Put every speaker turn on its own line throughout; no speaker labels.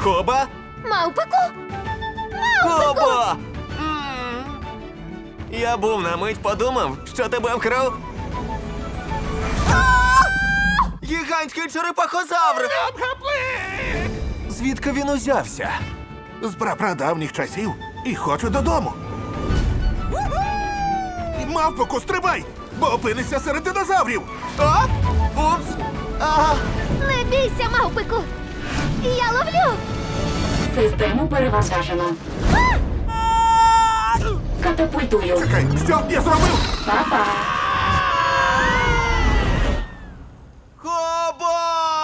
Коба?
Мавпику?
Кобо! Я був на мить подумав, що тебе вкрав. Гігантський черепахозавр! Звідки він узявся?
З прапрадавніх часів і хочу додому. Мавпоку, стрибай, бо опинишся серед динозаврів.
А? Упс!
Не бійся, мавпику! Я ловлю!
Систему перевантажено. Катапультую.
Чекай, що я зробив?
Па-па.
Кобо!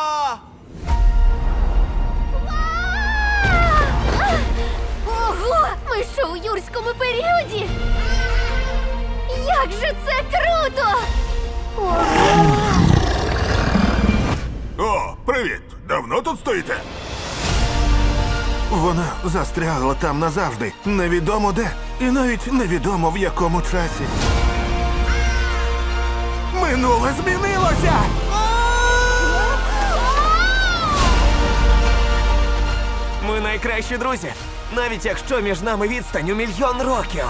Ого! Ми що у юрському періоді? Як же це круто! Ого!
О, привіт! Давно тут стоїте? Вона застрягла там назавжди. Невідомо де. І навіть невідомо в якому часі. Минуле змінилося!
Ми найкращі друзі, навіть якщо між нами відстань у 1 мільйон років.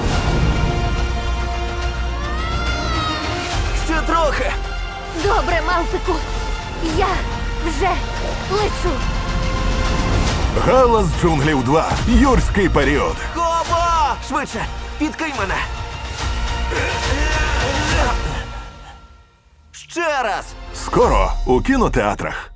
Ще трохи.
Добре, мавпику! Я вже лечу!
Галас джунглів 2. Юрський період.
Кобо! Швидше, підкинь мене. Ще раз.
Скоро у кінотеатрах.